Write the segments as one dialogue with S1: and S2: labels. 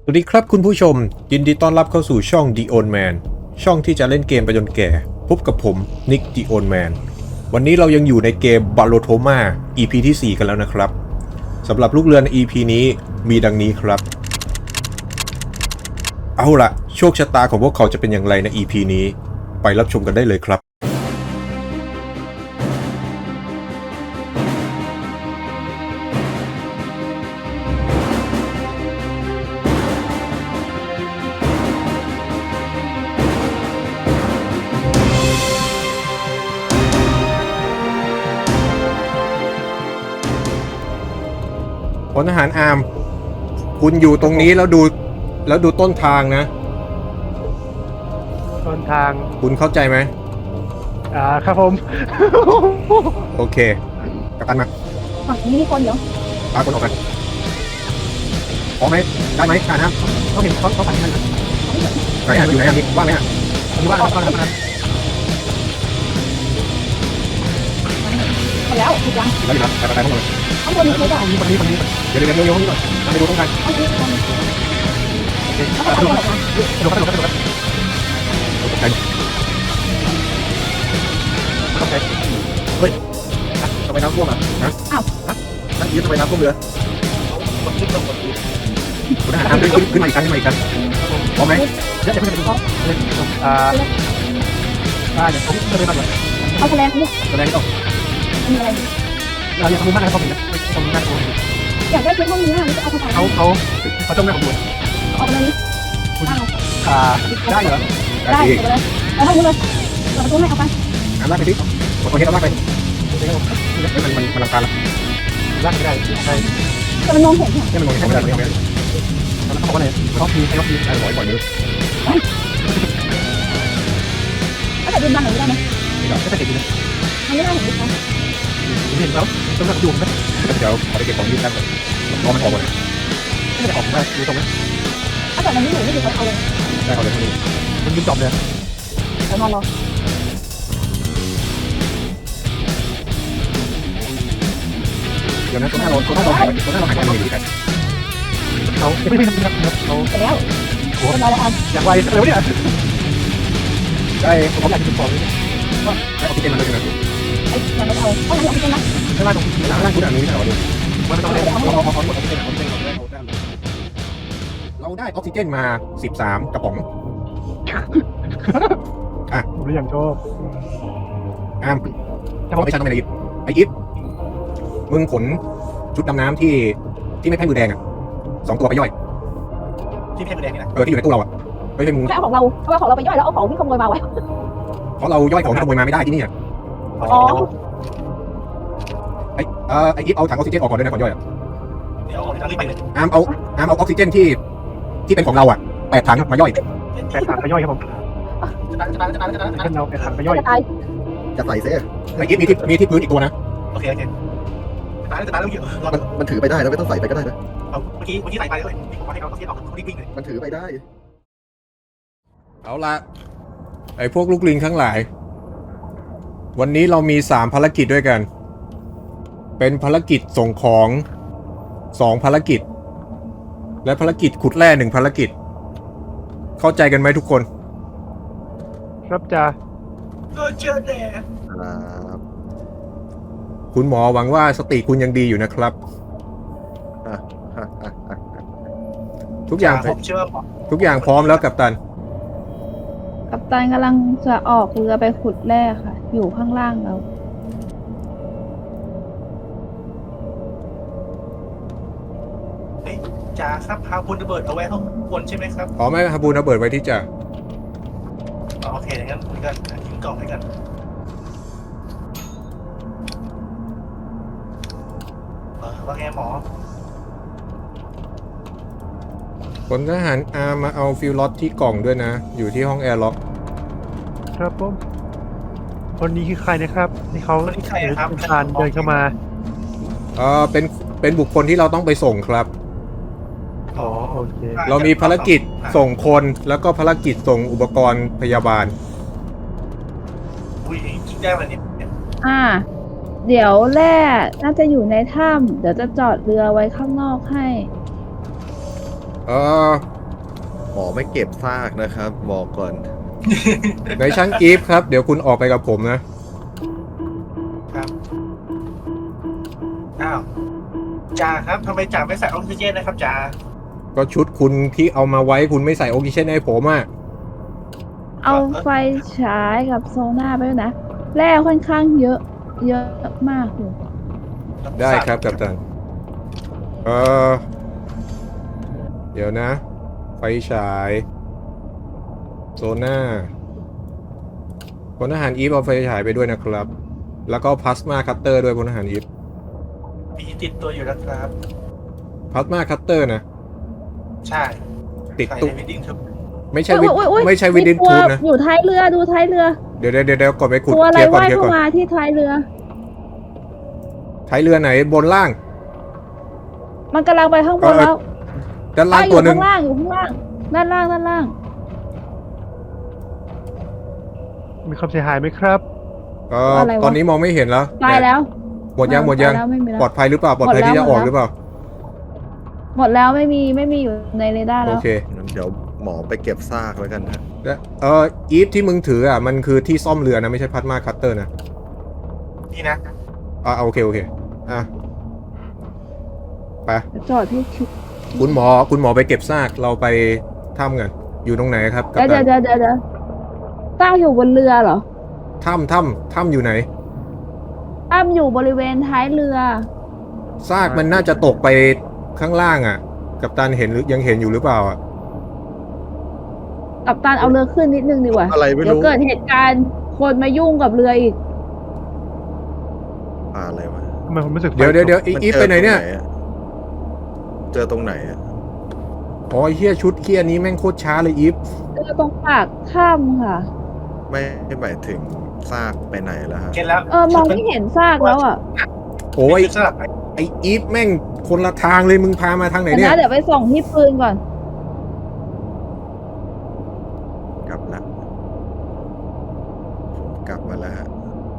S1: สวัสดีครับคุณผู้ชมยินดีต้อนรับเข้าสู่ช่อง The Old Man ช่องที่จะเล่นเกมไปจนแก่พบกับผมนิก The Old Man วันนี้เรายังอยู่ในเกม Ballotoma EP ที่ 4 กันแล้วนะครับสำหรับลูกเรือใน EP นี้มีดังนี้ครับเอาล่ะโชคชะตาของพวกเขาจะเป็นอย่างไรใน EP นี้ไปรับชมกันได้เลยครับพลทหารอาร์มคุณอยู่ตรงนี้แล้วดูต้นทางนะ
S2: ต้นทาง
S1: คุณเข้าใจไหม
S2: ครับผม
S1: โอเคกัปตันมา
S3: ฝั่งนี้มีคนเดี๋ยว
S1: พาคนออกมาพร้อมไหมได้ไหมการครับ
S2: เขาเห็นเขาปั่นกันนะ
S1: ไหนอ่ะอยู่ไหนอ่ะนี่ว่างไหมอ่ะ
S2: ผมว่าเขาทำอะไร
S3: หมดแล้วถูกยัง
S1: อยู่แล้วไปพวกเรา
S3: ข้างบนมีใครบ้าง
S2: คนนี้
S1: เดี๋ยวนี่ก่อนไปดูตรงกัน
S3: ข้างบนเขาไปทำอะไรกัน
S2: กระโดดกระโดดกระโดด
S1: ตกใจ
S2: เฮ้ย
S1: ทำไมน้ำท่วมอ่ะฮะนั่นยืดทำไมน้ำท่วมเรือคุณทหารขึ้นมาอีกครั้งพร้อมไหม
S2: เดี๋ยวจะไปดูเขาเดี๋ยวผมจะไปบ้านก่อน
S3: เอาแสดงนี่
S1: แสดงต้อง
S3: มีอะไร
S2: เราอยากทำบ้านอะไรเขาผมนะทำบ้านเขา
S3: อยากได้ชุดห้องนี้นะนี่จะเอาไปถ่าย
S2: เขาต้องไม่ขบวน
S3: ออกเลยนี่
S2: ได้เหรอ
S3: ได้ไปเลยไปห้องนู้นเลยเปิดประตูให้เอาไป
S1: ลากไปสิคนนี้ต้องลากไปมันลำคาญละ
S2: ลากไม่ได้ใช่
S3: แต่มันมองเห็นเนี่ย
S1: นี่มันมองไม่ได้เลย
S2: แล้วเขาบอกว่าอะไรเขาพีเขาพี
S1: ปล่อยมือ
S3: ถ้าเกิดยืนยันหน่อยได้ไหม
S2: ไม่ได้เห็นเลย
S3: มันไม่ได้เห็นดิฉัน
S2: เห็นเขาต้องรับดูไหม
S1: เดี๋ยวขอไปเก็บของยืดกันพอมันออกหมด
S2: ไม่ได้ออกได้ดูตรงนี้
S3: ถ้าเกิดมันไม่อยู่ไม่อยู่เขาเอาเลย
S1: ได้เอาเลยที่นี่
S2: มันยืนจอมเลย
S3: เดี๋ยวนอนรอ
S1: เดี๋ยวนะตัวหน้าเราหายไปที่ไหน
S2: เขาไม่ได้ทำครับเขา
S3: เสร็จแล้วเรียบร้อยแล้วอัน
S2: อยากไวเลยวะเนี่ย
S1: ได้
S2: ผมอยากจะบอกเลย
S1: ได้ออกซิเจนมาเลยนะ
S3: ไอ้ยังไม่เอาเอาอย่างนี้เป็นนะ
S2: ไม่ว่าตรง
S1: หลังล่างคุณอ่านนี้ไม่ใช่หรอดู
S2: มันต้องเล่น
S1: เราได้ออกซิเจนมา13กระป๋อง
S2: ผมเลยอย่างชอบ
S1: อ้ามไม่ใช่ทำไมนะไอ้ยิปมึงขนชุดดำน้ำที่ไม่แพ้มือแดงอ่ะ2 ตัวไปย่อย
S2: ที่เพชรแดงนี่นะ
S1: ที่อยู่ในตู้เราอ่ะไม่ใช่มึง
S3: แค่เอาของเราเอาของเราไปย่อยแล้วเอาของที่ขโมยมาไว้
S1: เพราะเราย่อยของที่ขโมยมาไม่ได้ที่นี่อ่ะ
S3: อ๋อ
S1: ไอ้ยิปเอาถังออกซิเจนออกก่อนด้วยนะก่อนย่อยอ่ะ
S2: เดี๋ยวเอารีบไปเลย
S1: อ้ามเอาออกซิเจนที่เป็นของเราอ่ะ8 ถังมาย่อย
S2: แปดถังไปย่อยครับผมเป็นเราแปดถังไปย่อย
S3: จะตาย
S1: จะใส่เซ่ไอ้ยิปมีที่พื้นอีกตัวนะ
S2: โอเคตายแล้วเยอะ
S4: มันถือไปได้แล้วไม่ต้องใส่ไปก็ได้นะ
S2: เมื่อกี้ใส่ไปเลยผมว่าให้เขาเสียออกเขารีบวิ่งเลย
S4: มันถือไปได้
S1: เอาละไอ้พวกลูกลิงทั้งหลาย วันนี้เรามี3ภารกิจด้วยกัน เป็นภารกิจส่งของ2ภารกิจและภารกิจขุดแร่1ภารกิจเข้าใจกันไหมทุกคน
S2: ครับจ้า
S4: ครับ
S1: คุณหมอหวังว่าสติคุณยังดีอยู่นะครับ ทุกอย่างพร้อมแล้วกัปตัน
S5: กัปตันกำลังจะออกเรือไปขุดแร่ค่ะ อยู่ข้างล่างเรา
S2: จ้าครับพาคุณระเบิดเอาไว้ข้างบนใช่ไหมครับ
S1: พร้อมไหมฮาบูระเบิดไว้ที่จะ
S2: โอเคงั้นคุยกันทิ้งกล่องให้กันว่าไงหมอ
S1: พลทหารอามาเอาฟิวล็อตที่กล่องด้วยนะ อยู่ที่ห้องแอร์ล็อก
S6: ครับผมคนนี้คือใครนะครับที่เขา
S2: คนที่ใครครับ
S6: ผ่านเดินเข้ามา
S1: เป็นบุคคลที่เราต้องไปส่งครับ
S6: อ๋อโอเค
S1: เรามีภารกิจส่งคนแล้วก็ภารกิจส่งอุปกรณ์พยาบาล
S2: อุ้ยกินได้วันนี้
S5: เดี๋ยวแร่น่าจะอยู่ในถ้ำเดี๋ยวจะจอดเรือไว้ข้างนอกให้
S1: เอ่อ
S4: มอไม่เก็บซากนะครับบอกก่อน
S1: ในช่างอีฟครับ เดี๋ยวคุณออกไปกับผมนะ
S2: ครับอ้าวจ่าครับทำไมจ่าไม่ใส่ออกซิเจนนะครับจ่า
S1: ก็ชุดคุณที่เอามาไว้คุณไม่ใส่ออกซิเจนให้ผมอ่ะ
S5: เอาไฟฉายกับโซน่าไปด้วยนะแร่ค่อนข้างเยอะ เยอะมากเลย
S1: ได้ครับกัปตันเดี๋ยวนะ ไฟฉายโซน่าพลทหารอีฟเอาไฟฉายไปด้วยนะครับ แล้วก็พลาสมาคัตเตอร์ด้วยพลทหารอีฟ
S2: มีติดตัวอยู่แล้วครับ
S1: พลาสมาคัตเตอร์นะ
S2: ใช่
S1: ติด
S2: ใส่
S1: ตุ๊ก
S2: ในวิดดิ้งครับ
S1: ไม่ใช่วิด
S5: อุ๊ย
S1: ไม่ใช่วิดดิ
S5: มีตัว
S1: ทูบนะ
S5: อยู่ท้ายเรือดูท้ายเรือ
S1: เดี๋ยวก่อนไปขุด
S5: ตัวอะไร
S1: เคลียร์ก่อน
S5: ว่าย
S1: เคลียร์
S5: เข้า
S1: ก่อน
S5: มาที่ท้ายเรือ
S1: ท้ายเรือไหนบนล่าง
S5: มันกำลังไปข้างบนแล้ว
S1: ด้านล่าง
S5: อ
S1: ตั
S5: ยู่
S1: วหนึ่ง
S5: ข้างล่างอยู่ข้างล่างด้านล่างด้านล่าง
S6: มีความเสียหายไหมครับ
S5: อะไรวะ
S1: ตอนนี้มองไม่เห็นแล้ว
S5: ตายแล้ว
S1: หมดยังหมดยัง
S5: ตาแล้วไม่มีแล้ว
S1: ปลอดภัยหรือเปล่าปลอดภัย
S5: หมดแล้ว
S1: ที่จะออก
S5: หมดแล้ว
S1: หรือเปล่า
S5: หมดแล้วไม่มีอยู่ในเรดาร์
S1: โอ
S5: แล้ว
S1: เค
S4: งั้นเดี๋ยวหมอไปเก็บซากแล้วกันฮะ
S1: แล้วอีฟที่มึงถืออ่ะมันคือที่ซ่อมเรือนะไม่ใช่พลาสมาคัตเตอร์นะ
S2: นี่นะ
S1: โอเคอ่ะไป
S5: จอดที่ชิด
S1: คุณหมอไปเก็บซากเราไปถ้ำกันอยู่ตรงไหนครับกัป
S5: เดี๋ยว
S1: ตัน
S5: เดี๋ยวตั้งอยู่บนเรือเหรอ
S1: ถ้ำอยู่ไหน
S5: ตั้งอยู่บริเวณท้ายเรือ
S1: ซากมันน่าจะตกไปข้างล่างอ่ะ กัปตันเห็นหรือยังเห็นอยู่หรือเปล่าอ่ะ
S5: กับตันเอาเรือขึ้นนิดนึงดีกว่า
S4: อะไรไม่
S5: เดี๋ยว
S4: รู้
S5: เกิดเหตุการณ์คนมายุ่งกับเรืออีก
S4: อะไรวะ
S6: ทำไมผมรู้สึก
S1: เดี๋ยวอีฟไปไหนเนี่ย
S4: เจอตรงไหนอะ
S1: อ๋อเฮียชุดเฮียนี้แม่งโคตรช้าเลยอีฟ
S5: เรือตรงปากถ้ำค่ะ
S4: ไม่หมายถึงซากไปไหนแล้วฮะ
S2: เก็ตแล้ว
S5: มองไม่เห็นซากแล้วอ่ะ
S1: โอ้ย
S2: สลับไป
S1: ไออีฟแม่งคนละทางเลยมึงพามาทางไหน
S5: เดี๋ยว
S1: เนี่ย
S5: นะเดี๋ยวไปส่องที่ปืนก่อน
S4: กลับละผมกลับมาแล้วฮะ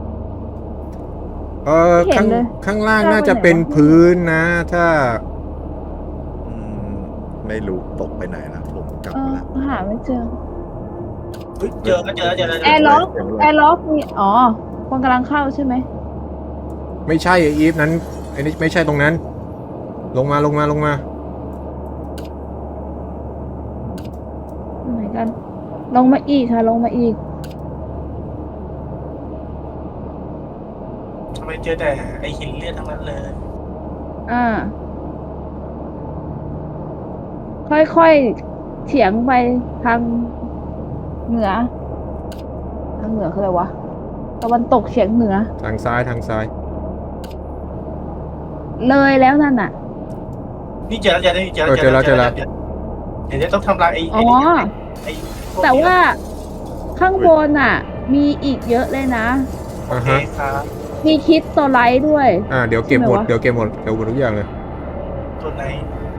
S5: ไม่เห็นเลย
S1: ข้างล่างน่าจะเป็นพื้นนะ ถ้า
S4: อืมไม่รู้ตกไปไหนแล้วผมกลับมาแล้ว
S5: หาไม่เจอ
S2: เฮ้ยเจอแล้ว
S5: แอร์ล็อกมีคนกำลังเข้าใช่ไหม
S1: ไม่ใช่ไออีฟนั้นไอ้นี่ไม่ใช่ตรงนั้น ลงมา
S5: อยู่ไหนกัน ลงมาอีกค่ะลงมาอีก
S2: ทำไมเจอแต่ไอหินเลือดทั้งนั้นเลย
S5: ค่อยๆเฉียงไปทางเหนือคืออะไรวะตะวันตกเฉียงเหนือ
S1: ทางซ้าย
S5: เลยแล้วนั่นน่ะ
S2: นี่เจอแล้วเดี๋ยวต้องทำลายไอ้
S5: อ๋อ
S2: ไอ้พก
S5: แต่ว่าข้างบนน่ะ มีอีกเยอะเลยนะ
S2: โอเคครับ
S5: มีคิดตัวไลท์ด้วย
S1: เดี๋ยวเก็บหมด
S5: ใช่ไหมวะ
S1: เดี๋ยวเก็บหมดทุกอย่างเลย
S2: ตัวไหน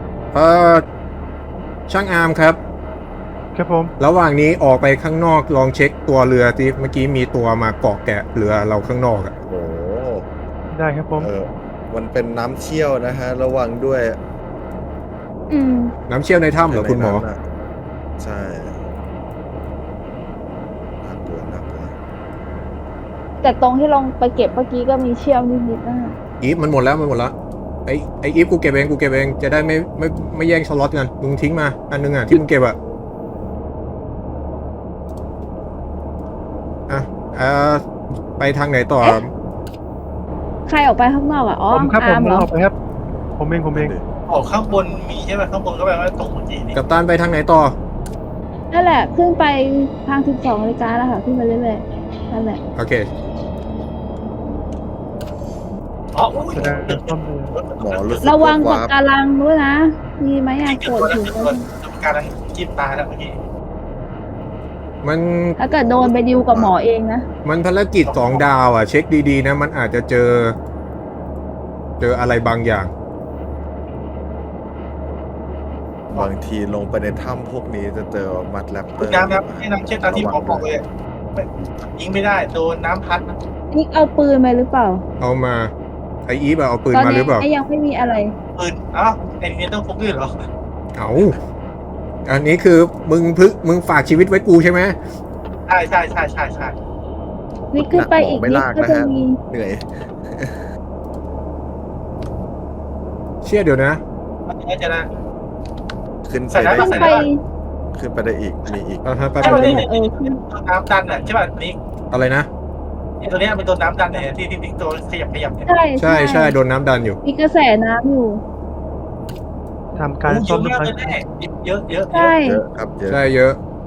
S1: ช่างอาร์มครับ
S6: ครับผม
S1: ระหว่างนี้ออกไปข้างนอกลองเช็คตัวเรือที่เมื่อกี้มีตัวมาเกาะแกะเรือเราข้างนอกอะ
S4: โอ้โห
S6: ได้ครับผม
S4: มันเป็นน้ำเชี่ยวนะฮะ ระวังด้วย
S1: น้ำเชี่ยวในถ้ำเหรอคุณหมอ
S4: ในนั้นน่ะใช่น่ากลัว
S5: แต่ตรงที่ลงไปเก็บเมื่อกี้ก็มีเชี่ยวนิดๆนะ
S1: อีฟมันหมดแล้วไออีฟกูเก็บเองจะได้ไม่แย่งสล็อตกันมึงทิ้งมาอันนึงอ่ะที่มึงเก็บอ่ะไปทางไหนต่อ
S5: ใครออกไปข้างนอกอ่ะอ๋อ
S6: ผมครับผ
S5: อาร์
S6: ม
S5: มเหรอ
S6: ออกไปครับ ผมเอง
S2: ออกข้างบนมีใช่ไหมข้างบนก็แปลว่าตกเมื่อกี้นี่
S1: กัปตันไปทางไหนต่อ
S5: นั่นแหละขึ้นไปทาง12 นาฬิกาแล้วค่ะขึ้นไปเรื่อยๆนั่นแหละ
S1: โอเค
S2: อ๋ออุ้ย
S6: แสดงซ่อมเรือ
S4: หมอรู้สึก
S5: ระวัง
S4: า
S5: ปะการังด้วยนะ มีไหมอ่ะ
S2: เกิ
S5: โกร
S2: ด
S5: ธอยู่
S2: การจิ้มตาแล้วเมื่อกี้
S1: มัน
S5: ถ้าเกิดโดนไปดิวกับหมอเองนะ
S1: มันภารกิจ2 ดาวอ่ะ เช็คดีๆนะ มันอาจจะเจออะไรบางอย่าง
S4: บางทีลงไปในถ้ำพวกนี้จะเจอมัดแรปเตอร์
S2: น้ำให้น้ำเช่นตามที่หมอบอกเลยยิงไม่ได้โดนน้ำพัด
S5: นี่เอาปืนไปหรือเปล่า
S1: เอามาไออีฟเอาปืน
S5: ตอน
S1: มาห
S5: นี้
S1: รือเปล่า
S5: ยังไม่มีอะไร
S2: ปืนอ้าวไอ้นี่ต้องพกด้วยเหรอ
S1: เอาอันนี้คือมึงฝากชีวิตไว้กูใช่ไหม
S2: ใช่ใช่ใช่ใช่ใช่
S5: นี่ขึ้นไปอีก
S4: ไม่
S5: นิด
S4: ลาก
S5: ก็
S4: นะ
S5: จะ
S4: ฮะ
S5: มี
S4: เหนื่อย
S1: เชี่ยเดี๋ยวนะ
S2: จะนะ
S4: ขึ้นไป
S2: ใส่
S4: ได้
S2: น้ำ
S5: ขึ้น
S2: ใส่
S5: ไป
S4: ขึ้นไปได้อีกมีอีก
S1: แป๊บ
S2: ใช่
S1: นึ
S2: ป่ะ
S1: ง
S2: นี่
S5: ขึ้น
S2: น้ำดันอ่ะใช่ป่ะนี่
S1: อะไรนะ
S2: ตัวนี้เป็นตัวน้ำดันเนี่ยที่ตัวขยับเนี่ย
S5: ใช่
S1: ใช่โดนน้ำดันอยู่
S5: มีกระแสน้ำอยู่
S6: ทำการ
S2: เย
S6: ซ่อม
S2: อะ
S6: เรียบ
S2: มาก
S6: ร้อย
S2: เลยแน่เยอะเยอะ
S5: ใช่
S4: เยอะครับเยอะ
S1: ใช่เยอะ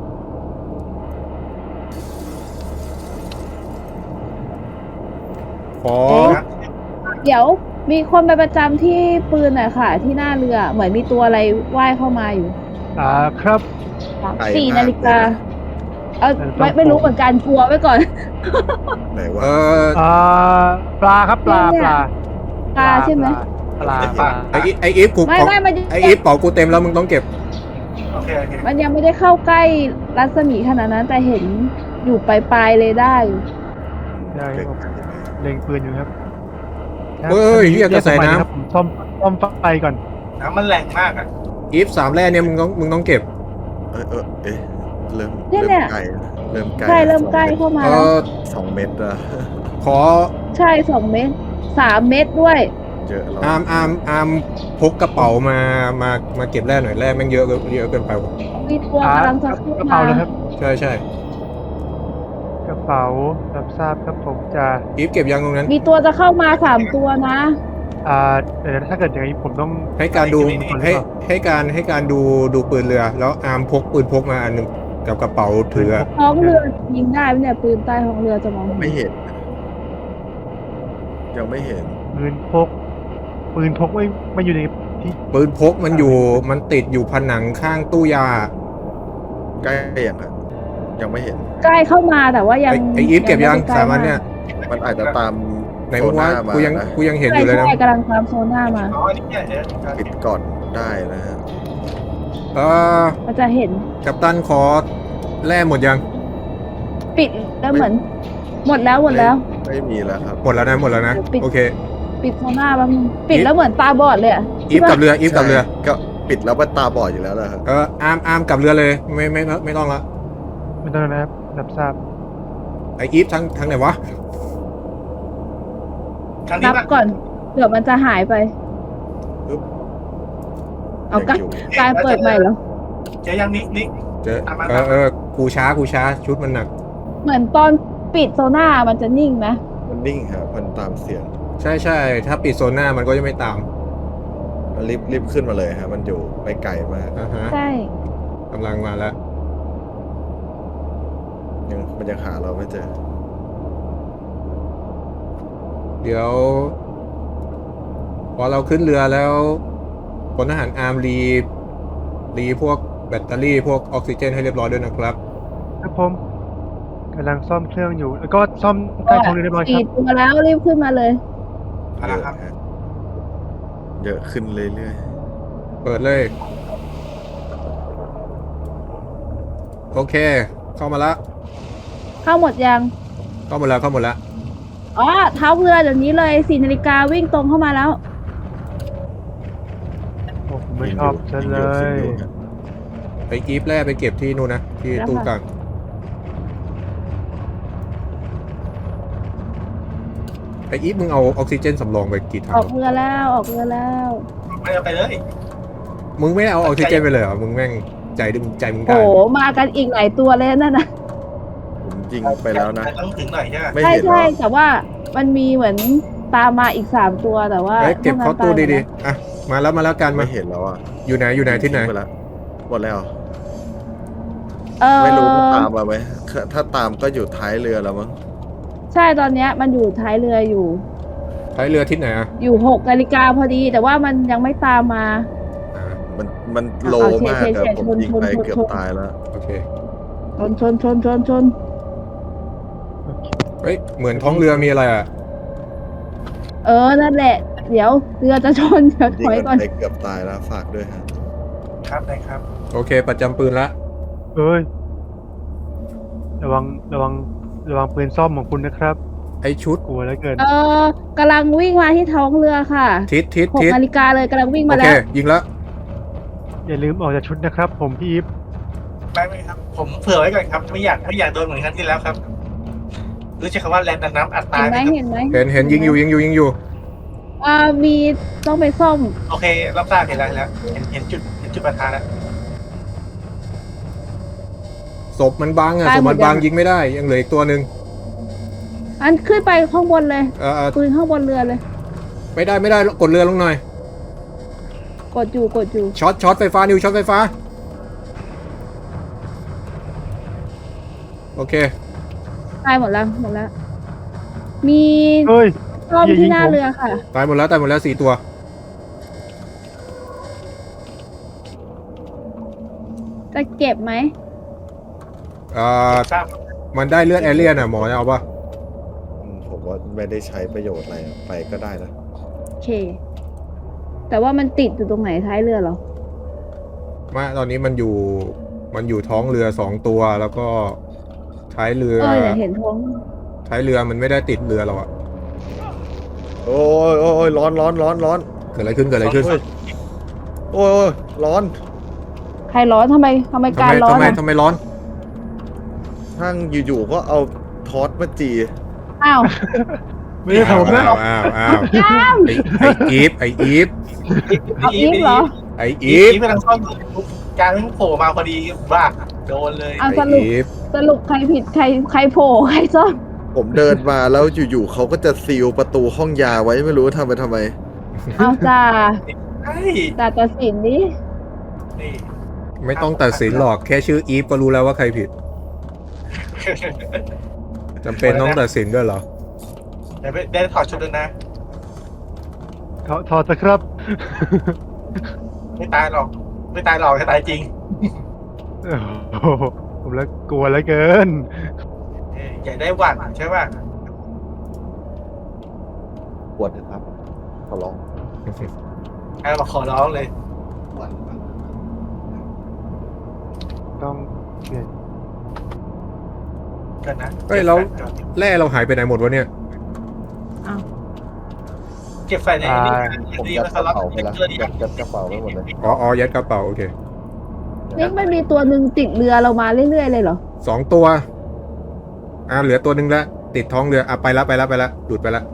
S1: ขอ
S5: เดี๋ยวมีคนไปประจำที่ปืนหน่อยค่ะ ที่หน้าเรือเหมือนมีตัวอะไรว่ายเข้ามาอยู่
S6: ครับ
S5: 4 นาฬิกาไม่รู้เหมือนกันกลัวไว้ก่อน
S4: ไหนวะ
S6: ปลาครับปลา
S5: เนี่ย ปลาใช่ไหม
S6: ปลา
S1: ไออีฟกู
S5: ไม่มัน
S1: ไออีฟเป๋ากูเต็มแล้วมึงต้องเก็บ
S2: โอเคโอเค
S5: มันยังไม่ได้เข้าใกล้รัศมีขนาดนั้นแต่เห็นอยู่ปลายๆเลยได้
S6: ได้ครับเล็งปืนอยู่ครับ
S1: เฮ้ยเหี้ยกระแสน้ำ
S6: ครับผมซ่อมไฟก่อน
S2: น้ำมันแรงมากอ่ะ
S1: อีฟ3 แร่เนี่ยมึงต้องเก็บ
S4: เอ๊ะเริ่ม
S5: เนี่ย
S4: ใกล้เริ่มใกล้
S5: ใช่เริ่มใกล้เข้ามา
S1: เอ
S5: แล้ว
S1: อ
S4: 2 เมตรอะ
S1: ขอ
S5: ใช่2 เมตร 3 เมตรด้วย
S4: เยอะแล้ว
S1: อาร์มพกกระเป๋ามาเก็บแร่หน่อยแร่แม่งเยอะเกินไปว่ะ
S5: มีตัวกำลังจะขึ้น
S6: กระ
S5: มา
S6: เป๋าเลยครับ
S1: ใช่
S6: กระเป๋ารับทราบครับผมจะ
S1: อีฟเก็บยังตรงนั้น
S5: มีตัวจะเข้ามา3 ตัวนะ
S6: เดี๋ยวถ้าเกิดอย่างนี้ผมต้อง
S1: ให้การดูให้การดูปืนเรือ แล้วอาร์มพกปืนพกมาอันหนึ่งกับกระเป๋าถือ
S5: ท้องเรือยิงได้ไหมเนี่ยปืนใต้ท้องเรือจะมอง
S4: ไม่เห็น ยังไม่เห็น
S6: ปืนพกไม่อยู่ในที่
S1: ปืนพกมันติดอยู่ผนังข้างตู้ยา
S4: ใกล้ยังอะยังไม่เห็น
S5: ใกล้เข้ามาแต่ว่ายัง
S1: ไออีฟเก็บยัง
S5: ไม่ได้ใกล้
S1: สามอันเนี่ย
S4: มันอาจจะตาม
S1: ไหนมึงว่า
S4: โซน่ามา
S1: กูยัง
S4: นะ
S1: กูยังเห็นอ
S5: ใช่
S1: ยู่เลยนะ
S5: ใช่กำลังตามโซน่ามา
S2: อ๋อนี่เนี่ยเดี๋ยว
S4: ปิดก่อนได้นะฮะ
S1: เออ
S5: มันจะเห็น
S1: กัปตันขอแร่หมดยัง
S5: ปิดแล้วเหมือน หมดแล้ว
S4: ไม่มีแล้วครับ
S1: หมดแล้วนะ
S5: ปิด
S1: โอเค
S5: ปิดโซน่าแป๊บนึงปิดแล้วเหมือนตาบอดเลยอะ
S1: อีฟกับเรือ
S4: ใช่ก็ปิดแล้วมันตาบอดอยู่แล้วนะครับ
S1: อาร์มกับเรือเลยไม่ต้องละ
S6: ไม่ต้องนะครับรับทราบ
S1: ไออีฟทั้งไหนวะ
S2: ครั้งนี้
S5: นับ
S2: ป่ะ
S5: ก่อนเดี๋ยวมันจะหายไป เอาก
S4: ยังอยู่
S5: การเปิดใหม่เหรอ
S2: เจอยังนิก
S1: เจอ
S2: ตามมา
S1: กูช้าชุดมันหนัก
S5: เหมือนตอนปิดโซน่ามันจะนิ่งไหม
S4: มันนิ่งครับมันตามเสียง
S1: ใช่ถ้าปิดโซน่ามันก็จะไม่ตาม
S4: มันรีบขึ้นมาเลยครับมันอยู่ไม่ไกลมาก
S1: อ่าฮะ
S5: ใช่
S1: กำลังมาแล้ว
S4: มันยังหาเราไม่เจอ
S1: เดี๋ยว พอเราขึ้นเรือแล้วพลทหารอาร์มรีพวกแบตเตอรี่พวกออกซิเจนให้เรียบร้อยด้วยนะครับ
S6: ครับผมกำลังซ่อมเครื่องอยู่ แล้วก็ซ่อมใต้ท้องเรือเรียบร้อยค
S5: สี่
S6: รับ
S5: ตัวแล้วรีบขึ้นมาเลย
S2: ๆนะครับ
S4: เยอะขึ้นเรื่อย
S1: เปิดเลย โอเค เข้ามาละ
S5: เข้าหมดยัง
S1: เข้าหมดแล้ว
S5: อ๋อเท้าเรือเดี๋ยวนี้เลย4 นาฬิกาวิ่งตรงเข้ามาแล้ว
S6: โอ้ผม
S4: ๆ
S6: ไม่ชอบซะเลย
S4: ครับ
S1: ไปกีฟแร่ไปเก็บที่นู่นนะ ที่
S5: แล้ว
S1: ตู้
S5: ค่ะ
S1: กลางไออีฟมึงเอาออกซิเจนสำรองไปกี่ถั
S5: อง อกเรือแล้วออกเรือแล้ว
S2: ไม่เอาไปเลย
S1: มึงไม่ได้เอาออกซิเจนไปเลยเหรอ มึงแม่งใจมึงได้
S5: โอ้มากันอีกหลายตัวเลยนั่นนะ
S4: ผมยิงไปแล้วนะ
S2: ต้องถึงหน่อยใช่ไหม
S4: ไม่
S5: ใช่
S4: เห็นหร
S5: ใช่
S4: อ
S5: แต่ว่ามันมีเหมือนตามมาอีก3 ตัวแต่ว่า
S1: เฮ้ยเก็บเข้าตู้
S5: พวกนั้น
S1: ดี
S5: ตายหม
S1: ๆ อ่ะ มาแล้วกัน
S4: ไม่
S1: มา
S4: เห็นแล้วอ่ะ
S1: อยู่ไหนที่ไหน
S4: ทิ้งปแล้วหมดแล้ว
S5: ด
S4: ไม่รู้ว่าตามมาไหมถ้าตามก็อยู่ท้ายเรือแล้วมั้ง
S5: ใช่ตอนเนี้ยมันอยู่ท้ายเรืออยู่
S1: ท้ายเรือทิศไหนอ่ะ
S5: อยู่6 นาฬิกาพอดี แต่ว่ามันยังไม่ตามมา
S1: อ่า
S4: มันโลมาก
S5: เฉี
S4: อะ
S5: ยด
S4: ผมยิงไปเกือบตายแล้ว
S1: โอเค
S5: ชน
S1: เฮ้ย เหมือนท้องเรือมีอะไรอ่ะ
S5: นั่นแหละ เดี๋ยวเรือจะชนเดี๋ยวถ
S4: ยิง
S5: อย
S4: มัน
S5: ก่อน
S4: ไปเกือบตายแล้วฝากด้วยฮะ
S2: ครับได้ครับ
S1: โอเค ประจำปืนละ
S6: เอ้ยระวังปืนซ่อมของคุณนะครับ
S1: ไอชุด
S6: กลัวเหลือเกิน
S5: กำลังวิ่งมาที่ท้องเรือค่ะ
S1: ทิศ
S5: 6 นาฬิกาเลยกำลังวิ่ง
S1: โอ
S5: มา
S1: เค
S5: แล้ว
S1: ยิงแล้ว
S6: อย่าลืมออกจากชุดนะครับ ผมพี่อีฟ
S2: ไม่ครับ ผมเผื่อไว้ก่อนครับ ไม่อยากโดนเหมือนครั้งที่แล้วครับรู้จักคำว่าแรงดันน้ำอัด
S5: เห็
S2: ตาย
S5: นไห
S2: ไห
S5: ม
S2: มครับ
S5: เห็นไหม
S1: เห็นยิงอยู่
S5: มีต้องไปซ่อม
S2: โอเครับทราบเห็นแล้วเห็นจุดประทานแล้ว
S1: ศพมันบังอ่ะ
S5: ตาย
S1: ศพ
S5: หมด
S1: มันบัง
S5: ยัง
S1: ยิงไม่ได้ยังเหลืออีกตัวหนึ่ง
S5: อันขึ้นไปข้างบนเลย
S1: เ
S5: ปืนข้างบนเรือเลย
S1: ไม่ได้กดเรือลงหน่อย
S5: กดอยู่
S1: ช็อตไฟฟ้านิวช็อตไฟฟ้าโอเค
S5: ตายหมดแล้วมี
S6: เฮ้ย
S5: ซ่อม
S6: อย่ายิ
S5: ที่
S6: ง
S5: หน้า
S1: ผม
S5: เรือค่ะ
S1: ตายหมดแล้ว4 ตัว
S5: จะเก็บไหม
S2: ทราบ
S1: มันได้เลือดแอเรียนอ่ะหมอจะเอาปะ
S4: ผมว่าไม่ได้ใช้ประโยชน์อะไรไปก็ได้นะ
S5: โอเค แต่ว่ามันติดอยู่ตรงไหนท้ายเรือเหรอ
S1: มาตอนนี้มันอยู่ท้องเรือ2 ตัวแล้วก็ท้ายเรือ
S5: เนี่ยเห็นท้อง
S1: ท้ายเรือมันไม่ได้ติดเรือเราอะ
S4: โอ้ยร้อน
S1: เกิดอะไรขึ้น
S4: โอ้ยร้อน
S5: ใครร้อนทำไมการร้อนอะ
S1: ทำไมร้อน
S4: ทั้งอยู่ๆก็เอาทอสมาจี
S5: อ้าว
S6: ไม่ได้ผมนะ
S1: อ้าวไออีฟ
S5: เอาอีฟเหรอ
S1: ไอ
S2: อี
S1: อีฟ
S2: ฟกำลังซ่อมการไม่โผล่มาพอดีบ้าโดนเลย
S5: เอา
S1: ไออีฟ
S5: สรุปใครผิดใครโผล่ใครซ่อม
S4: ผมเดินมาแล้วอยู่ๆเขาก็จะซีลประตูห้องยาไว้ไม่รู้ทำไปทำไม
S5: เอาจ้า
S2: ใช่
S5: ตัดสินนี้
S2: นี่
S1: ไม่ต้องตัดสินหรอกแค่ชื่ออีฟก็รู้แล้วว่าใครผิดจำเป็นต้องตัดสินด้วยเหรอ
S2: เดี๋ยวได้ถอดชุดด้วยนะ
S6: ถอดสักครับ
S2: ไม่ตายหรอกแค่ตายจริง
S6: โอ้โหผมแล้วกลัวแล้วเกิน
S2: อยากได้หวัดใช่ป่ะ
S4: ปวดนะครับขอร้อง
S2: มาขอร้องเลย
S6: ต้องเปลี่ยน
S2: กันนะ
S1: เฮ้ยแล้วแร่เราหายไปไหนหมดวะเนี่ย
S2: เก็บไฟในนี้
S4: ผม
S2: ดี
S4: ยัด
S2: มาก
S4: ก
S2: ค
S4: ระ
S2: รับ
S4: เป๋าไปแล้วยัดกระเป๋าไปหมดเลย
S1: อ๋อยัดกระเป๋าโอเค
S5: นี่มันมีตัวหนึ่งติดเรือเรามาเรื่อยๆเลยเหรอ
S1: 2 ตัวเหลือตัวหนึ่งแล้วติดท้องเรือไปละหลุดไปละ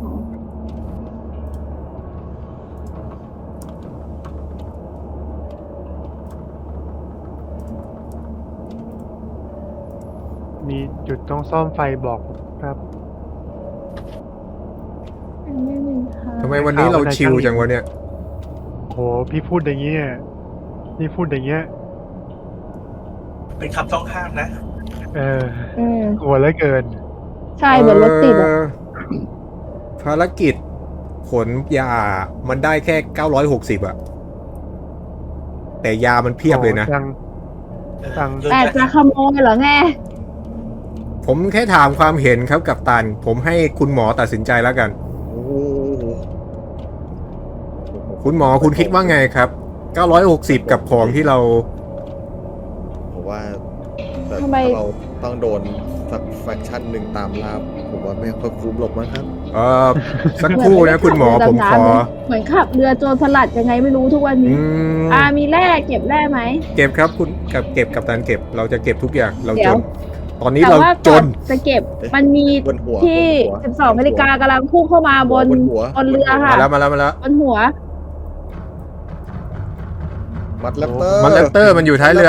S6: มีจุดต้องซ่อมไฟบอกครับ
S5: ไม่มีทาง
S1: ทำไมวันนี้เราชิลจังวะเนี่ย
S6: โหพี่พูดอย่างเงี้ยพี่พูดอย่างเงี้ย
S2: เป็นคำต้องห้ามนะ
S6: กลัวแล้วเกิน
S5: ใช่เหมือนรถติดอะ
S1: ภารกิจขนยามันได้แค่960อะแต่ยามันเพียบเลยนะ
S6: ตัง
S5: แต่จะขโมยเหรอไง
S1: ผมแค่ถามความเห็นครับกับตัน ผมให้คุณหมอตัดสินใจแล้วกัน
S4: โอ้โห
S1: คุณหมอคุณคิดว่าไงครับ960กับของที่เรา
S4: ผมว่าแต่
S5: ทำไม
S4: ถ้าเราต้องโดนสักแฟคชั่นหนึ่งตามล่าผมว่าไม่ค่อยคุ้มหรอกมั้งครับ
S1: สักครู่นะคุณหมอผมขอ
S5: เหมือนขับเรือโจรสลัดยังไงไม่รู้ทุกวัน
S1: อื
S5: นี้
S1: ม
S5: มีแร่เก็บแร่ไหม
S1: เก็บครับคุณเก็บกับตันเก็บเราจะเก็บทุกอย่างเรา
S5: เดี๋
S1: จ
S5: ยว
S1: น ตอนนี้
S5: แต่
S1: เรา
S5: ว่า
S1: จ
S5: ก่อน
S1: น
S5: จะเก็บมันมี
S4: บนหัว
S5: ที่
S4: บนหัว
S5: 12 นาฬิกากำลังพุ่งเข้ามาบน
S4: หัว
S5: บนเรือค่ะ
S1: มาแล้ว
S5: บนหัว
S4: มัดแรปเตอร์
S1: มันแรปเตอร์มันอยู่ท้ายเรือ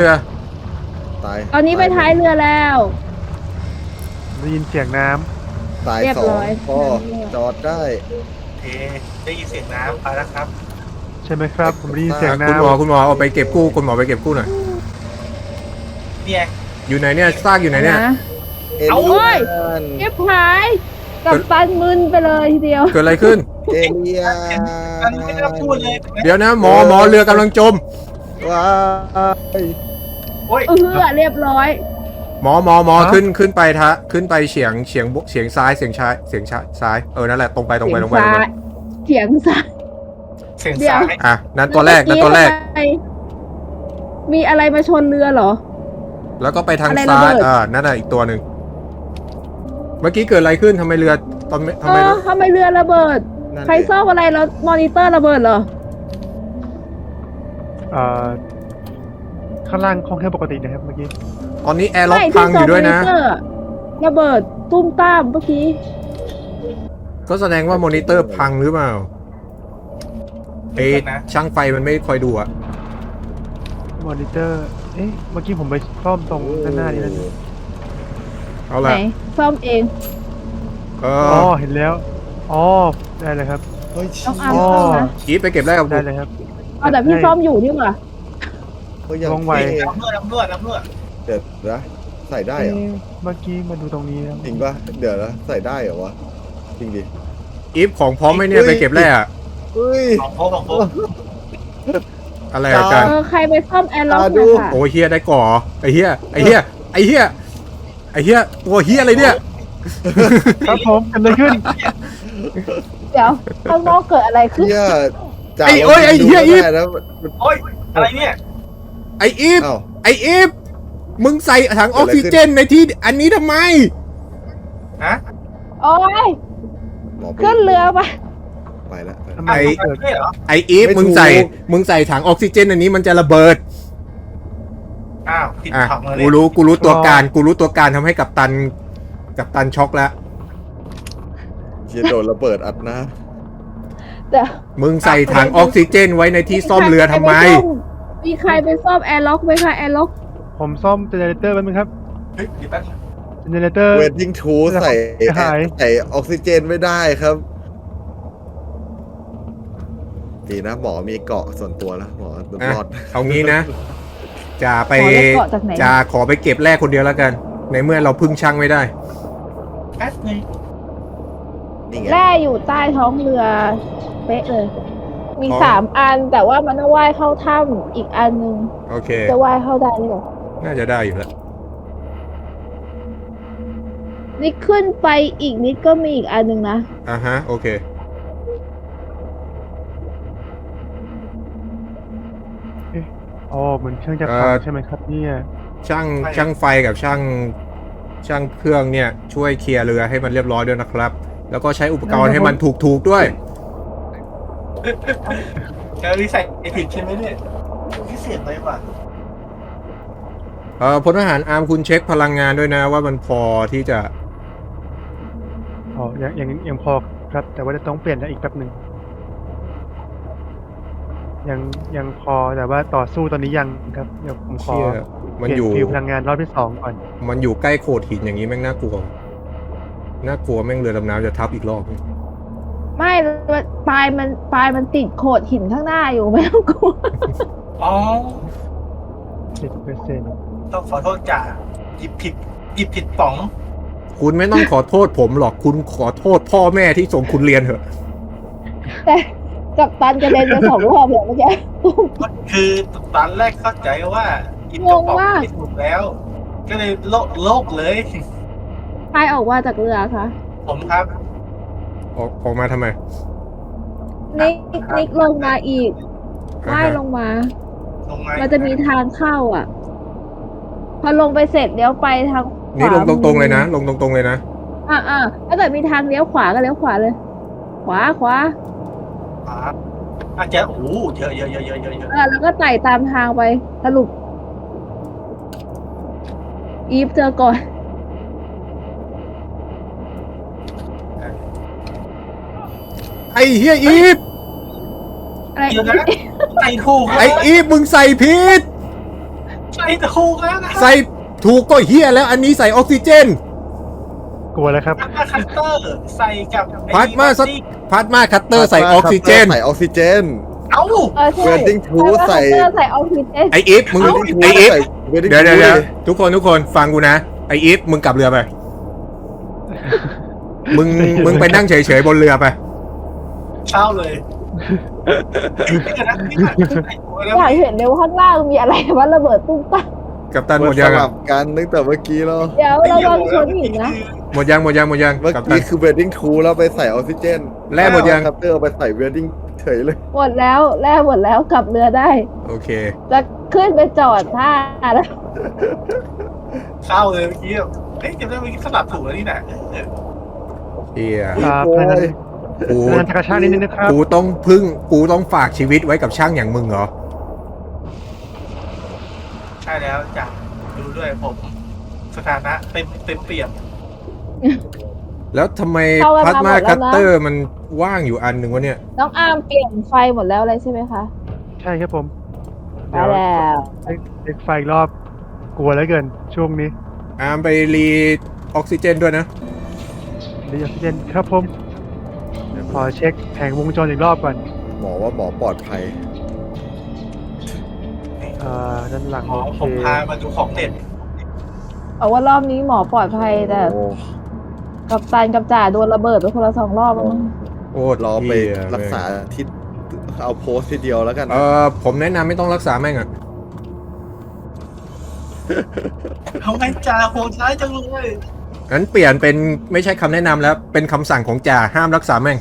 S4: ตาย
S5: ตอนนี้ไปท้ายเรือแล้ว
S6: ได้ยินเสียงน้
S4: ตาย
S5: เรียบ
S4: สอ
S5: ร้
S4: ง
S5: อย
S4: ก็จอดได้
S2: โอเคได้ยินเสียงน้ำไปแล้วครับ
S6: ำใช่ไหมครับ ผมได้ยินเสียง
S1: คุณหมอ
S6: น้ำ
S1: คุณหมอเอาไปเก็บกู้คุณหมอไปเก็บกู้หน่อย
S2: เนี่ย
S1: อยู่ไหนเนี่ยซากอยู่ไหนเนี่ย
S4: เอ
S2: เอา
S4: เลี
S5: เว้ย
S4: ยน
S5: เก็บหายกับตันมึนไปเลยทีเดียว
S1: เกิดอะไรขึ้น
S4: เอเลียน
S2: มันไม่ได้พูดเลย
S1: เดี๋ยวนะหมอเรือกำลังจม
S4: ว้าย
S2: โอ้ย
S5: เรียบร้อย
S1: หมอขึ้นไปขึ้นไปเฉียงซ้ายเฉียงซ้ายนั่นแหละตรงไป
S5: เสียงซ้ายเสียงซ้าย
S2: เสียง
S5: เดี๋ยว
S2: ซ้าย
S1: อ่ะนั่นตัวแรก
S5: ทำไมมีอะไรมาชนเรือเหรอ
S1: แล้วก็ไปทาง
S5: อะไรระ
S1: ซ้า
S5: เบิ
S1: ย
S5: ด
S1: นั่นน่ะอีกตัวหนึ่งเมื่อกี้เกิดอะไรขึ้นทำไมเรือทำไม
S5: ทำไมเรือระเบิด
S4: นั่น
S5: ใครซ่อมอะไรแล้วมอนิเตอร์ระเบิดเหรอ
S6: อ่าข้างล่างห้องแค่ปกตินะครับเมื่อกี้
S1: ตอนนี้แอร์ล็อก
S5: ไม่
S1: พั
S5: ที่
S1: ง
S5: จ
S1: อ
S5: อยู่
S1: ด้วยนะ
S5: มอนิเตอร์ระเบิดตุ้มตามเมื่อกี้
S1: ก็แสดงว่ามอนิเตอร์พังหรือเปล่าเอ๊ะช่างไฟมันไม่คอยดูอะ
S6: มอนิเตอร์ เอ๊ะ เมื่อกี้ผมไปซ่อมตรงด้านหน้านี่แล้วนี่
S1: เอา
S5: ไหน
S1: ละ
S5: ซ่อมเอง
S1: เอ
S6: อ๋อ
S1: อ
S6: เห็นแล้ว อ๋อ ได้เลยครับ
S4: เฮ้ย
S5: ต้อง
S4: เชี่
S5: อา
S4: ย
S5: ร์มซ่อมนะ
S1: อีฟไปเก็บแรกกับ
S6: ได้
S1: กู
S6: เลยครับ
S5: เอาแต่พี่ซ่อมอยู่นี่หว่า
S4: เฮ้ยอย่าง
S6: ว่องไว
S4: เท่
S2: น้ำรั่ว
S4: เดี๋ยวนะใส่ได้เหรอ
S6: เอ๊ะเมื่อกี้มาดูตรงนี้แล้ว
S4: จริงปะเดี๋ยวนะใส่ได้เหรอวะจริงดิ
S1: อีฟของพร้อมไหมเนี่ยไปเก็บแรกอะ
S4: เฮ้ย
S2: ของโค้ง
S1: อะไรอะกัน
S5: ใครไปซ่อมแอร์ล็อก
S4: ดู
S5: หน่อยค่ะ
S1: โอ้ยเฮียได้ก่อไอเฮียไอเฮียไอเฮียไอเฮียตัวเฮียอะไรเนี่ย
S6: ครับผมเกิดอะไรขึ้น
S5: เดี๋ยวข้างนอกเกิดอะไรขึ้น
S4: เหี้ยจ่า
S1: ไอ้โอ้ยไอ้เหี้ยอีฟ
S4: ดูไม่ได้นะ
S2: โอ้ยอะไรเนี่ย
S1: ไออีฟ
S4: อ้าว
S1: ไออีฟมึงใส่ถังออกซิเจนในที่อันนี้ทำไม
S2: ฮะ
S5: โอ้ย
S4: หมอไป
S5: ขึ้นเรือไป
S4: ไปแล้วไป
S6: ทำ
S4: แล้ว
S6: ไม
S1: ไอ้
S6: เกิด
S2: ด้วยเหรอ
S1: ไออีฟ
S4: ไม่ถูก
S1: มึงใส่ถังออกซิเจนอันนี้มันจะระเบิด
S2: อ้าวติด
S1: อ่ะ
S2: ถังเลย
S1: กูรู้ตัวการทำให้กัปตันช็อกแล้ว
S4: เชียโดนระเบิดอัดหนะ
S5: เดี๋ยว
S1: มึงใส่ถังออกซิเจนไว้ในที่ซ่อมเรือทำไม
S5: มีใครไปซ่อมแอร์ล็อกไหมคะแอร์ล็อก
S6: ผมซ่อมเจเนเรเตอร์แป๊บนึงครับ
S2: เฮ้ยเดี๋ยวแป๊บนึง
S6: เจเนเรเตอร์
S4: เวดดิ้งทูใส่
S6: หาย
S4: ใส่ออกซิเจนไม่ได้ครับ ดีนะหมอมีเกาะส่วนตัวแล้วหมอ
S1: อ่ะ
S4: รอด
S1: เอางี้นะจะไป
S5: ขอได้เกาะจากไหน
S1: จะขอไปเก็บแรกคนเดียวแล้วกัน ในเมื่อเราพึ่งช่างไม่ได้
S2: แป๊บนึง
S4: นี่ไง
S5: แร่อยู่ใต้ท้องเรือเป๊ะเลย มี
S1: อ๋อ
S5: 3 อันแต่ว่ามันต้องว่ายเข้าถ้ำอีกอันนึง
S1: โอเค
S5: จะว่ายเข้าได้หรือเปล่า
S1: น่าจะได้อยู่แล้ว
S5: นี่ขึ้นไปอีกนิดก็มีอีกอันนึงนะ
S1: อ่ะฮะ โอเค
S6: อ๋อเหมือนเครื่องจะพังใช่ไหมครับเนี่ย
S1: ช่างไฟกับช่างเครื่องเนี่ย ช่วยเคลียร์เรือให้มันเรียบร้อยด้วยนะครับ แล้วก็ใช้อุปกรณ์ให้มันถูกด้วย
S2: เจอรีใส่ผิดใช่ไหมเนี่ยพิเศษไปว่ะ
S1: พลทหารอาร์มคุณเช็คพลังงานด้วยนะว่ามันพอที่จะ
S6: อ๋อยังพอครับ แต่ว่าจะต้องเปลี่ยนอีกแป๊บหนึ่งยังพอแต่ว่าต่อสู้ตอนนี้ยังครับเดี๋ยวผมขอ
S1: เชี่ย
S6: เป
S1: มัน
S6: ลี่ยน
S1: อยู่
S6: ฟิวพลังงานรอบที่2ก่อน
S1: มันอยู่ใกล้โขดหินอย่างนี้แม่งน่ากลัว น่ากลัวแม่งเรือดำน้ำจะทับอีกรอบ
S5: ไม่ปลายมันติดโขดหินข้างหน้าอยู่ไม่ต้องกลัว
S2: อ๋อ
S6: 10%
S2: ต้องขอโทษจ่าหยิบผิดป๋อง
S1: คุณไม่ต้องขอโทษผมหรอก คุณขอโทษพ่อแม่ที่ส่งคุณเรียนเถอะ
S5: แต่กับตันกระเด็นไป2 รอบเลยเมื่อกี้
S2: คือตอนแรกเข้าใจว่าหยิบกระป๋องไม่ถูกแล้ว ก็เลยโลกเลย
S5: ใครออกมาจากเรือคะ
S2: ผมครับ
S1: ออกมาทำไม
S5: นิกลงมาอีกว่ายลงมา
S2: ลงมา
S5: มันจะมีทางเข้าอ่ะ พอลงไปเสร็จเลี้ยวไปทางขวา
S1: นี่ลงตรงๆเลยนะ ลงตรงๆเลยนะ
S5: ถ้าเกิดมีทางเลี้ยวขวาก็เลี้ยวขวาเลย ขวา
S2: อาจจะโอ้โหเยอะ
S5: แล้วก็ไต่ตามทางไปสรุป อีฟเจอก่อน
S1: ไอ้เฮียอีฟ
S5: อะไร
S2: เดี๋ยวนะใส่ถูก
S1: ไอ้อีฟมึงใส่ผิด
S2: ใส่ถูกแล้วนะ
S1: ใส่ถูกก็เฮียแล้วอันนี้ใส่ออกซิเจน
S6: กลัวแล้วครับ
S2: พาคัตเตอร์ใส่กับ
S1: พาร์ทมาคัตเตอร์ใส่ออกซิเจน
S4: ใส่ออกซิเจน
S2: เอ้า
S5: ใช่
S4: เวดดิ้งทูใส่
S5: ใส่ออกซิเจน
S1: ไออีฟมึงไออีฟ
S4: Wedding
S1: เดี๋ยว
S4: Tour
S1: ทุกคนฟังกูนะ ไออีฟมึงกลับเรือไป มึงไปนั่งเฉยๆบนเรือไป
S2: เช่าเลยนี่นะใส่ถูกแล้ว
S5: อยากเห็นเลยว่าข้างล่างมีอะไรว่าระเบิดตุ้มตั้ม
S1: กับตันหมด
S4: ส
S1: ยัง
S4: ลั
S1: อะ
S4: บกันตั้งแต่เมื่อกี้แล้ว
S5: เดี๋ยวเราลองชนหินนะ
S1: หมดยัง
S4: เมื่อ
S1: กับตั
S4: กี้
S1: น
S4: คือ Wedding Tour แล้วไปใส่ออกซิเจน
S1: แร่หมดยัง
S4: คัพเตอร์เอาไปใส่ Wedding เฉยเลย
S5: หมดแล้วแล่หมดแล้วกลับเรือได้
S1: โอเค
S5: จะขึ้นไปจอดท่าแล้ว
S2: เช่าเลยเมื่อกี้เฮ้ยจำได้เมื่อกี้สลับถูกแล้วนี่นะ
S1: เฮีย
S6: พลังงาน
S1: กู
S6: พลังงานจักรชาตินิดนึงนะครับ
S1: กูต้องฝากชีวิตไว้กับช่างอย่างมึงเหรอ
S2: ช่แล้วจากดูด้วยผมสถานะเต็มเปี่ยม
S1: แล้วทำไม
S5: เข้ากัน
S1: พลาส
S5: มา
S1: มา
S5: หมดแล้วนะ
S1: คัตเตอร์มันว่างอยู่อันหนึ่งวะเนี่ย
S5: น้องอาร์มเปลี่ยนไฟหมดแล้วเลยใช่ไหมคะ
S6: ใช่ครับผม
S5: ไปแล้ว
S6: เด็กไฟอีกรอบกลัวแล้วเกินช่วงนี้
S1: อาร์มไปรีออกซิเจนด้วยนะ
S6: เดี๋ยวออกซิเจนครับผมขอเช็คแผงวงจรอีกรอบก่อน
S4: หมอว่าหมอปลอดภัย
S6: ด้านหลัง
S2: หมอ
S6: โอเค
S2: ผมพามาดูของเด็ด
S5: เอาว่ารอบนี้หมอปลอดภัยแต่
S4: โอ้
S5: กับตันกับจ่าโดนระเบิดไปคนละ2 รอบแล้วมั้ง
S1: โอ้
S4: รอไป
S1: เหี้ย
S4: รักษาที่เอาโพสต์ทีเดียวแล้วกัน
S1: ผมแนะนำไม่ต้องรักษาแม่งอะ
S2: ทำไมจ่าโหดร้ายจังเลย
S1: งั้นเปลี่ยนเป็นไม่ใช่คำแนะนำแล้ว เป็นคำสั่งของจ่าห้ามรักษาแม่ง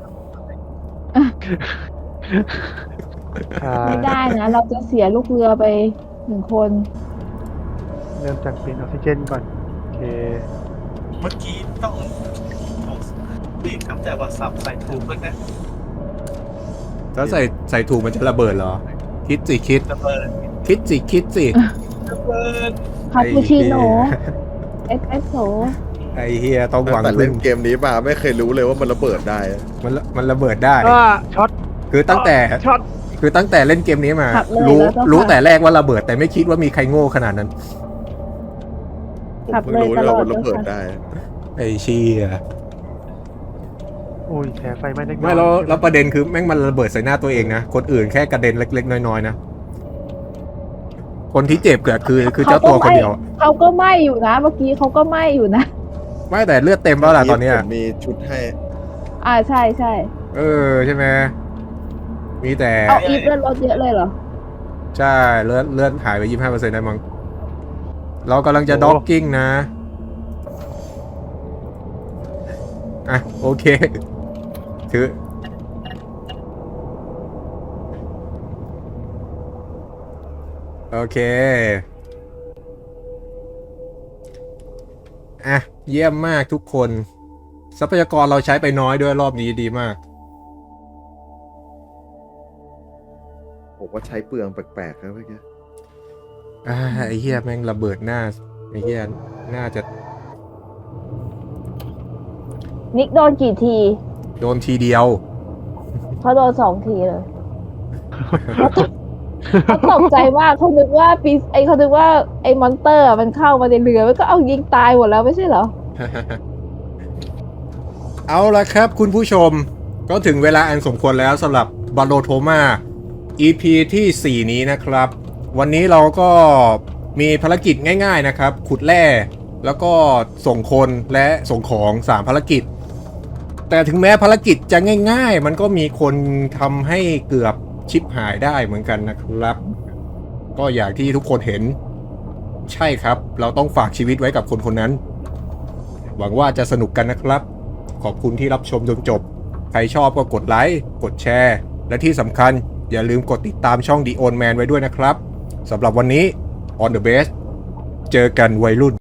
S5: ไม่ได้นะ เราจะเสียลูกเรือไป1 คน
S6: เริ่มจากเปลี่ยนออกซิเจนก่อนโอเค
S2: เมื่อกี้ต้องรีบครับแต่ว่าสับใส่ถูกเลยนะ
S1: ถ้าใส่ถูกมันจะระเบิดเหรอ คิดสิคิด
S2: ระเบิด
S1: คิดสิคิดสิ
S2: ระเบิด
S5: คาปูชิโน่เอสเปรสโซ่
S1: ไอ้เฮียต้องหวัง
S4: แต่
S1: พึ่
S4: เล่
S1: ง
S4: นเกมนี้มาไม่เคยรู้เลยว่ามันระเบิดได้
S1: มันระเบิดได้
S6: ช็อต
S1: คือตั้งแต่
S6: ช็อต
S1: คือตั้งแต่เล่นเกมนี้มา
S5: ขับเลย
S1: รู้
S5: แล้วก็
S1: รู้
S5: ขับ
S1: แต่แรกว่าระเบิดแต่ไม่คิดว่ามีใครโง่ขนาดนั้น
S4: ผม
S5: ขับ
S4: เพิ่ง
S5: เลย
S4: รู้
S5: ต
S4: ว่า
S5: ลอด
S4: มันระเบิด
S5: เลยค่ะ
S4: ได้
S1: ไอ้เชี่ย
S6: อุ้ยแผลไฟไหม้เล็กน้อย
S1: ไม่แล้วประเด็นคือแม่งมันระเบิดใส่หน้าตัวเองนะ คนอื่นแค่กระเด็นเล็กๆน้อยๆนะ คนที่เจ็บก็คือเจ้าตัวคนเดียว
S5: เขาก็ไหม้อยู่นะ เมื่อกี้เขาก็ไหม้อยู่นะ
S1: ไม่แต่เลือดเต็มแล้วล่ะตอนเนี้ย
S4: ผมมีชุดให้
S5: ใช่ใช่
S1: ใช่ไหมมีแต่
S5: เอาอีฟเลือดลดเยอะเลยเหรอ
S1: ใช่เลือดหายไป 25%ได้มั้งเรากำลังจะด็อกกิ้งนะอ่ะโอเคถือโอเคอ่ะเยี่ยมมากทุกคนทรัพยากรเราใช้ไปน้อยด้วยรอบนี้ดีมาก
S4: ผมว่าใช้เปลืองแปลกๆครับเมื่อกี้
S1: ไอ้เหี้ยแม่งระเบิดหน้าไอ้เหี้ยน่าจะ
S5: นิกโดนกี่ที
S1: โดนทีเดียว
S5: เขาโดน2 ทีเลยเขาตกใจมากเขานึกว่าเขานึกว่าไอ้มอนเตอร์มันเข้ามาในเรือมันก็เอายิงตายหมดแล้วไม่ใช่เหรอ
S1: เอาละครับคุณผู้ชมก็ถึงเวลาอันสมควรแล้วสำหรับบาโลโทมา EP ที่ 4 นี้นะครับ วันนี้เราก็มีภารกิจง่ายๆนะครับ ขุดแร่แล้วก็ส่งคนและส่งของ 3 ภารกิจ แต่ถึงแม้ภารกิจจะง่ายๆ มันก็มีคนทำให้เกือบชิปหายได้เหมือนกันนะครับ ก็อย่างที่ทุกคนเห็นใช่ครับ เราต้องฝากชีวิตไว้กับคนคนนั้น หวังว่าจะสนุกกันนะครับ ขอบคุณที่รับชมจนจบ ใครชอบก็กดไลค์ กดแชร์ และที่สำคัญอย่าลืมกดติดตามช่อง The Old Man ไว้ด้วยนะครับ สำหรับวันนี้ On the Base เจอกันวัยรุ่น